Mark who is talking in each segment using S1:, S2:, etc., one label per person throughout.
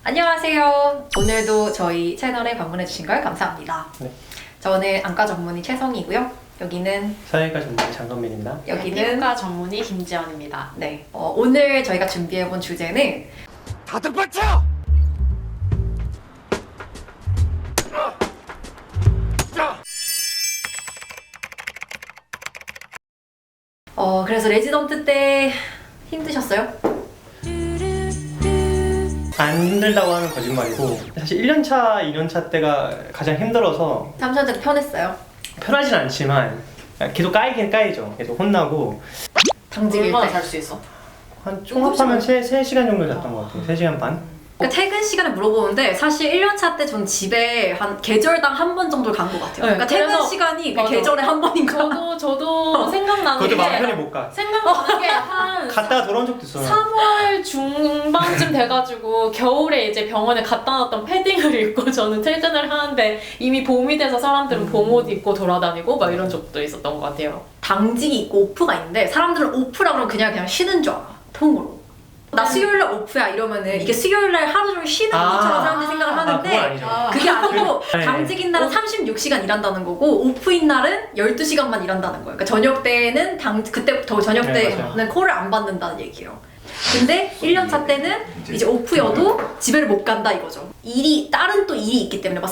S1: 안녕하세요. 오늘도 저희 채널에 방문해주신 걸 감사합니다.
S2: 네.
S1: 저는 안과 전문의 최성이고요. 여기는
S2: 사회과 전문의 장건민입니다.
S1: 여기는
S3: 피부과 전문의 김지연입니다.
S1: 네. 오늘 저희가 준비해본 주제는
S4: 다들 받쳐!
S1: 그래서 레지던트 때 힘드셨어요?
S2: 안 힘들다고 하면 거짓말이고 사실 1년차, 2년차 때가 가장 힘들어서
S1: 3년 때 편했어요?
S2: 편하진 않지만 계속 까이긴 까이죠. 계속 혼나고
S1: 당직일
S3: 얼마나
S1: 때.
S3: 잘 수 있어?
S2: 한 총합하면 3시간 정도 잤던 것 같아요. 3시간 반?
S1: 그러니까 퇴근 시간에 물어보는데 사실 1년차 때 전 집에 한 계절당 한 번 정도 간 것 같아요. 그러니까 퇴근
S3: 그래서-
S1: 시간이 그
S3: 맞아.
S1: 계절에 한 번인가?
S3: 저도 생각나는
S2: 그것도 마음
S3: 게
S2: 편히 못 가.
S3: 생각나는 게 한
S2: 갔다가 돌아온 적도 있어요.
S3: 3월 중반쯤 돼가지고 겨울에 이제 병원에 갖다 놨던 패딩을 입고 저는 퇴근을 하는데 이미 봄이 돼서 사람들은 봄옷 입고 돌아다니고 막 이런 적도 있었던 것 같아요.
S1: 당직이 있고 오프가 있는데 사람들은 오프라 그러면 그냥 쉬는 줄 알아. 통으로. 나 수요일날 오프야 이러면은 이게 수요일날 하루 종일 쉬는 것처럼 사람들이 생각을
S2: 그건
S1: 하는데
S2: 아니죠.
S1: 그게 아니고
S2: 네.
S1: 당직인 날은 36시간 일한다는 거고 오프인 날은 12시간만 일한다는 거예요. 그러니까 저녁 때는 그때부터 저녁
S2: 네,
S1: 때는
S2: 맞아요.
S1: 콜을 안 받는다는 얘기예요. 근데 1년차 때는 이제 오프여도 집에를 못 간다 이거죠. 다른 또 일이 있기 때문에 막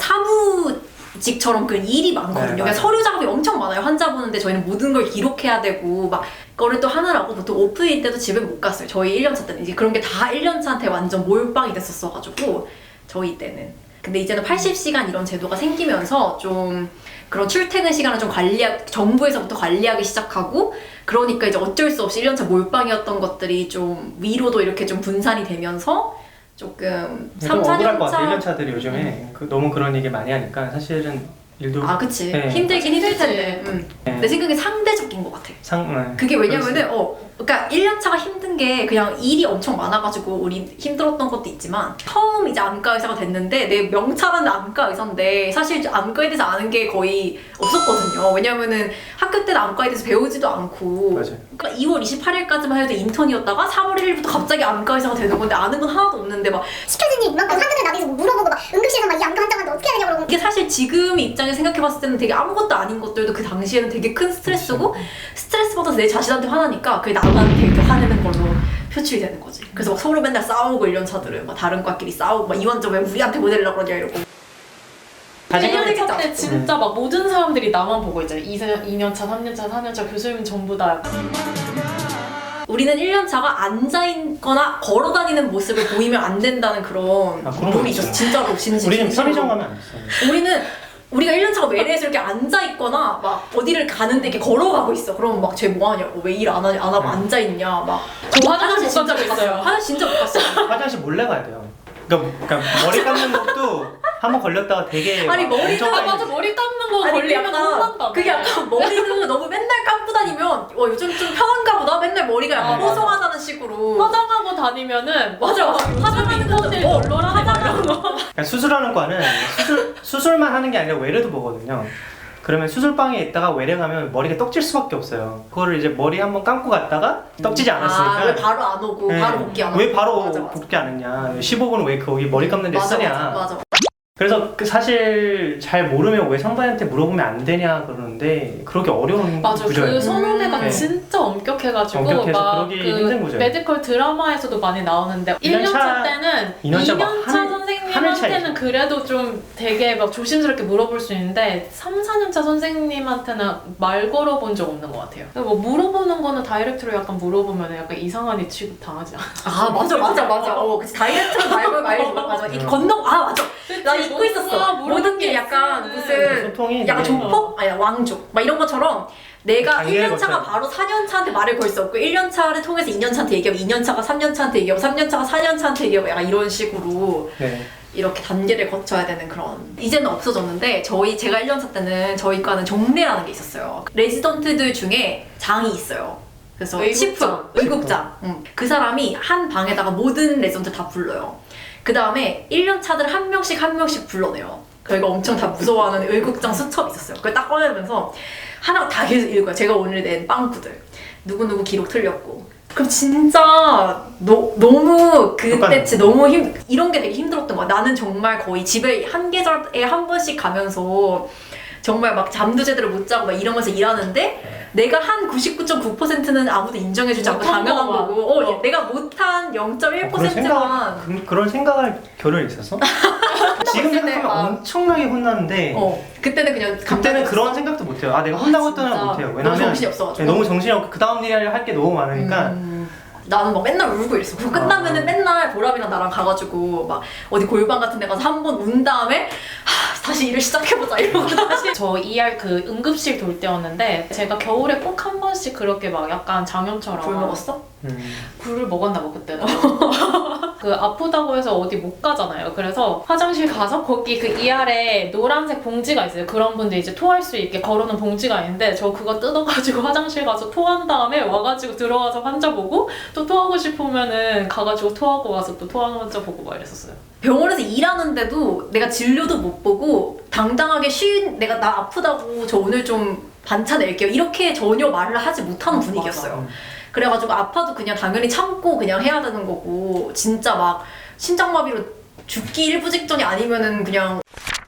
S1: 사무직처럼 그 일이 많거든요.
S2: 네,
S1: 그러니까
S2: 맞아요.
S1: 서류 작업이 엄청 많아요. 환자 보는데 저희는 모든 걸 기록해야 되고 막 그거를 또 하느라고 보통 오프일 때도 집에 못 갔어요. 저희 1년차 때는 이제 그런 게 다 1년차한테 완전 몰빵이 됐었어가지고 저희 때는. 근데 이제는 80시간 이런 제도가 생기면서 좀 그런 출퇴근 시간을 좀 정부에서부터 관리하기 시작하고 그러니까 이제 어쩔 수 없이 1년차 몰빵이었던 것들이 좀 위로도 이렇게 좀 분산이 되면서 조금
S2: 좀 억울할 것 같아요.
S1: 4년차
S2: 1년차들이 요즘에 너무 그런 얘기 많이 하니까 사실은 일도
S1: 아 그치
S2: 네.
S1: 힘들긴 힘들
S3: 힘들지.
S1: 텐데
S2: 네.
S1: 내 생각에 상대적인 것 같아. 그게 왜냐면은 그러니까 1년차가 힘든 게 그냥 일이 엄청 많아가지고 우리 힘들었던 것도 있지만 처음 이제 안과 의사가 됐는데 내 명찰은 안과 의사인데 사실 안과에 대해서 아는 게 거의 없었거든요. 왜냐면은 학교 때는 안과에 대해서 배우지도 않고
S2: 맞아요.
S1: 그러니까 2월 28일까지만 해도 인턴이었다가 3월 1일부터 갑자기 안과 의사가 되는 건데 아는 건 하나도 없는데 막
S5: 시켜준 이만큼 환자들 나대서 물어보고 막 응급실에서 막 이 안과 환자한테 어떻게 해야 되냐고 그러고
S1: 이게 사실 지금 입장에 생각해봤을 때는 되게 아무것도 아닌 것들도 그 당시에는 되게 큰 스트레스고 스트레스 받아서 내 자신한테 화나니까 그게 나한테 이렇게 화내는 걸로 표출이 되는 거지. 그래서 막 서로 맨날 싸우고 1년차들은 막 다른 과끼리 싸우고 막 이 환자 왜 우리한테 보내려고 그러냐 이러고
S3: 1년차 때
S1: 음.
S3: 진짜 막 모든 사람들이 나만 보고 있잖아요. 2년차, 3년차, 4년차 교수님 전부 다
S1: 우리는 1년차가 앉아있거나 걸어다니는 모습을 보이면 안 된다는 그런
S2: 그런 거
S1: 룰이
S2: 있어요.
S1: 있었어. 진짜로
S2: 우리는 편의점 가면 안 됐어요.
S1: 우리가 1년차가 외래에서 이렇게 앉아있거나 막 어디를 가는데 이렇게 걸어가고 있어. 그러면 막 쟤 뭐하냐고 왜 일 안 하고 앉아있냐 막
S3: 저 화장실 못
S1: 진짜
S3: 간 적
S1: 못 갔어요.
S3: 있어요.
S1: 화장실 진짜 못 갔어요.
S2: 화장실 몰래 가야 돼요. 그러니까 머리 감는 것도 한번 걸렸다가 되게
S1: 아니,
S2: 막
S1: 머리가
S2: 엄청
S3: 맞아 머리 감는 거
S1: 아니,
S3: 걸리면 혼난다.
S1: 그게 약간 머리도 너무 맨날 감고 다니면 요즘 좀 편한가 보다. 맨날 머리가 약간
S2: 맞아.
S1: 뽀송하다는 식으로
S3: 화장하고 다니면은
S1: 맞아.
S3: 화장하는 것들 널널하다 이런 거.
S2: 그러니까 수술하는 과는 수술만 하는 게 아니라 외래도 보거든요. 그러면 수술방에 있다가 외래 가면 머리가 떡질 수밖에 없어요. 그거를 이제 머리 한번 감고 갔다가 떡지지 않았으니까
S1: 왜 바로 안 오고
S2: 네.
S1: 바로 복귀 안 하고
S2: 왜 바로
S1: 맞아, 맞아.
S2: 복귀 안 했냐 15분 왜 거기 머리 감는 데
S1: 맞아,
S2: 쓰냐
S1: 맞아.
S2: 그래서 사실 잘 모르면 왜 선배한테 물어보면 안 되냐 그러는데 그렇게 어려운
S3: 맞아
S2: 구조예요.
S3: 그 선후배가
S2: 네.
S3: 진짜 엄격해가지고
S2: 엄격해서
S3: 막
S2: 그러기
S3: 그
S2: 힘든 거죠.
S3: 메디컬 드라마에서도 많이 나오는데 1년차 때는
S2: 2년차 막
S3: 2년차
S2: 하늘
S3: 선생님한테는
S2: 차이죠.
S3: 그래도 좀 되게 막 조심스럽게 물어볼 수 있는데 3, 4년차 선생님한테는 말 걸어본 적 없는 것 같아요. 뭐 물어보는 거는 다이렉트로 약간 물어보면 약간 이상한 애 취급 당하지 않아.
S1: 아 맞아. 그치 다이어트로 말고 맞아. 이렇게 맞아. 나 잊고 있었어. 모든 게 약간 무슨
S2: 소통이
S1: 약간
S2: 되게
S1: 조폭? 아니 왕족 막 이런 것처럼 내가
S2: 단계를
S1: 1년차가
S2: 거쳐야
S1: 바로 4년차한테 말을 걸 수 없고 1년차를 통해서 2년차한테 얘기하고 2년차가 3년차한테 얘기하고 3년차가 4년차한테 얘기하고 약간 이런 식으로
S2: 네.
S1: 이렇게 단계를 거쳐야 되는 그런 이제는 없어졌는데 제가 1년차 때는 저희 과는 종례라는 게 있었어요. 레지던트들 중에 장이 있어요. 그래서 의국장. 그 사람이 한 방에다가 모든 레지던트 다 불러요. 그 다음에 1년차들 한 명씩 불러내요. 저희가 엄청 다 무서워하는 의국장 수첩이 있었어요. 그걸 딱 꺼내면서 하나 다 계속 읽어요. 제가 오늘 낸 빵꾸들. 누구누구 기록 틀렸고 그럼 진짜 너무 그때치 너무 이런 게 되게 힘들었던 거야. 나는 정말 거의 집에 한 계절에 한 번씩 가면서 정말 막 잠도 제대로 못 자고 막 이러면서 일하는데 내가 한 99.9%는 아무도 인정해주지 않고
S3: 못한
S1: 당연한
S3: 것만.
S1: 거고 내가 못한 0.1%만
S2: 그런 생각할 겨를이 있었어? 지금 생각하면 엄청나게 혼나는데
S1: 그때는 그냥
S2: 그때는 그런 생각도 못해요. 내가 혼나고 있다는 건 못해요. 왜냐면
S1: 너무 정신이 없어가지고
S2: 너무 정신이 없고 그 다음 일에 할 게 너무 많으니까
S1: 나는 막 맨날 울고 이랬어. 그거 끝나면은 맨날 보람이랑 나랑 가가지고 막 어디 골방 같은 데 가서 한 번 운 다음에 다시 일을 시작해보자 이러고 다시
S3: 저 ER 그 응급실 돌 때였는데 제가 겨울에 꼭 한 번씩 그렇게 막 약간 장염처럼
S1: 굴 먹었어?
S3: 굴을 먹었나 봐 그때는. 그 아프다고 해서 어디 못 가잖아요. 그래서 화장실 가서 거기 그 ER에 노란색 봉지가 있어요. 그런 분들 이제 토할 수 있게 걸어놓은 봉지가 있는데 저 그거 뜯어가지고 화장실 가서 토한 다음에 와가지고 들어와서 환자 보고 또 토하고 싶으면은 가가지고 토하고 와서 또 토하는 환자 보고 막 이랬었어요.
S1: 병원에서 일하는데도 내가 진료도 못 보고 당당하게 내가 나 아프다고 저 오늘 좀 반차 낼게요 이렇게 전혀 말을 하지 못하는 분위기였어요. 그래가지고 아파도 그냥 당연히 참고 그냥 해야 되는 거고 진짜 막 심장마비로 죽기 일부 직전이 아니면은 그냥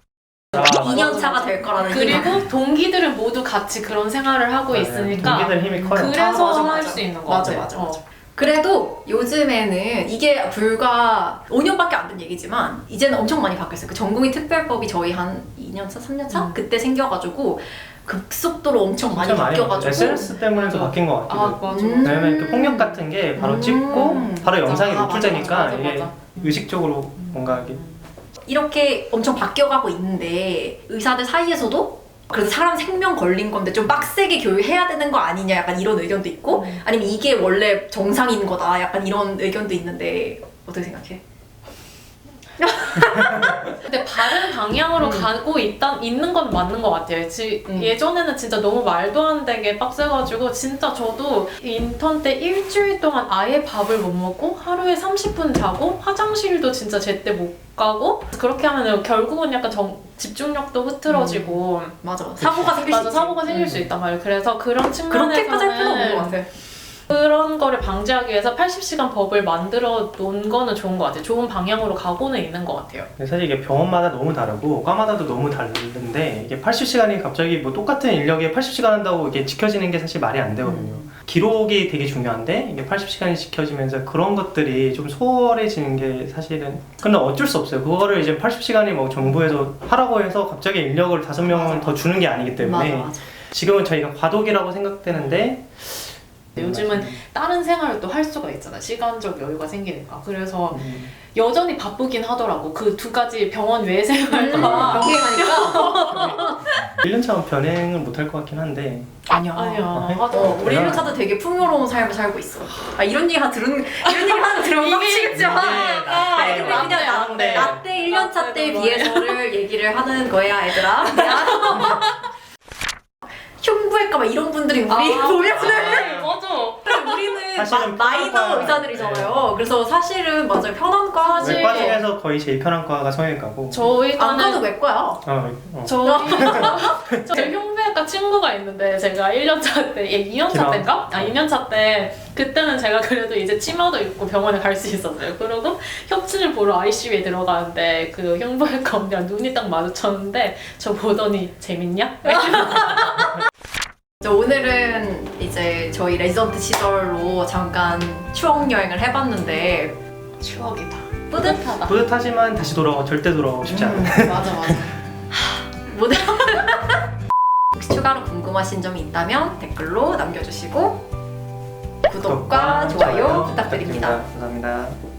S1: 2년 차가 될 거라는
S3: 그리고 동기들은 모두 같이 그런 생활을 하고 있으니까
S2: 동기들 힘이 커요.
S3: 그래서 할 수 있는 거 같아요.
S1: 맞아. 그래도 요즘에는 이게 불과 5년밖에 안 된 얘기지만 이제는 엄청 많이 바뀌었어요. 그 전공의 특별법이 저희 한 2년차, 3년차? 그때 생겨가지고 급속도로 엄청 많이 바뀌어가지고
S2: SNS 때문에도 바뀐 것 같아요.
S3: 맞아.
S2: 왜냐면 그 폭력 같은 게 바로 찍고 바로 영상이
S3: 맞아.
S2: 노출되니까
S3: 맞아.
S2: 이게 의식적으로 뭔가 이게
S1: 이렇게 엄청 바뀌어가고 있는데 의사들 사이에서도 그래서 사람 생명 걸린 건데 좀 빡세게 교육해야 되는 거 아니냐 약간 이런 의견도 있고 아니면 이게 원래 정상인 거다 약간 이런 의견도 있는데 어떻게 생각해?
S3: 근데 바른 방향으로 가고 있는 건 맞는 것 같아요. 예전에는 진짜 너무 말도 안 되게 빡세가지고 진짜 저도 인턴 때 일주일 동안 아예 밥을 못 먹고 하루에 30분 자고 화장실도 진짜 제때 못 가고 그렇게 하면 결국은 약간 집중력도 흐트러지고
S1: 맞아. 사고가 생길 수 있지.
S3: 사고가 생길 수 있단 말이에요. 그래서 그런 측면에서는
S1: 그렇게까지 할 필요는 없는 것 같아.
S3: 그런 거를 방지하기 위해서 80시간 법을 만들어 놓은 거는 좋은 것 같아요. 좋은 방향으로 가고는 있는 것 같아요.
S2: 사실 이게 병원마다 너무 다르고 과마다도 너무 다른데 이게 80시간이 갑자기 뭐 똑같은 인력에 80시간 한다고 이게 지켜지는 게 사실 말이 안 되거든요. 기록이 되게 중요한데 이게 80시간이 지켜지면서 그런 것들이 좀 소홀해지는 게 사실은 근데 어쩔 수 없어요. 그거를 이제 80시간이 뭐 정부에서 하라고 해서 갑자기 인력을 5명 더 주는 게 아니기 때문에
S1: 맞아.
S2: 지금은 저희가 과도기라고 생각되는데
S3: 요즘은 다른 생활을 또 할 수가 있잖아. 시간적 여유가 생기니까. 그래서 여전히 바쁘긴 하더라고. 그 두 가지 병원 외 생활과
S1: 병행하니까
S2: 1년차 변행을 못 할 것 같긴 한데
S3: 아니야.
S1: 우리 1년차도 되게 풍요로운 삶을 살고 있어. 이런 얘기 하나 들으면 빡치겠지만 근데 그냥 나 때 1년차 때 비해서를 얘기를 하는 거야 얘들아. 흉부외과 막 이런 분들이 우리 보면은
S3: 맞아.
S1: 우리는 마이너 의사들이잖아요. 그래서 사실은 맞아요. 편한과
S3: 사실
S2: 외과 중에서 거의 제일 편한 과가 성형외과고
S3: 저희
S1: 안 가도
S3: 과는
S1: 외과야.
S3: 저희 흉부외과 친구가 있는데 제가 1년차 때, 2년차 때인가? 2년차 때 그때는 제가 그래도 이제 치마도 입고 병원에 갈 수 있었어요. 그리고 혁진을 보러 ICU에 들어가는데 그 흉부외과 언니랑 눈이 딱 마주쳤는데 저 보더니 재밌냐?
S1: 오늘은 이제 저희 레지던트 시절로 잠깐 추억 여행을 해봤는데
S3: 추억이다.
S1: 뿌듯하다.
S2: 뿌듯하지만 다시 절대 돌아오고 싶지 않아요.
S3: 맞아.
S1: 혹시 추가로 궁금하신 점이 있다면 댓글로 남겨주시고 구독과 좋아요 부탁드립니다.
S2: 감사합니다.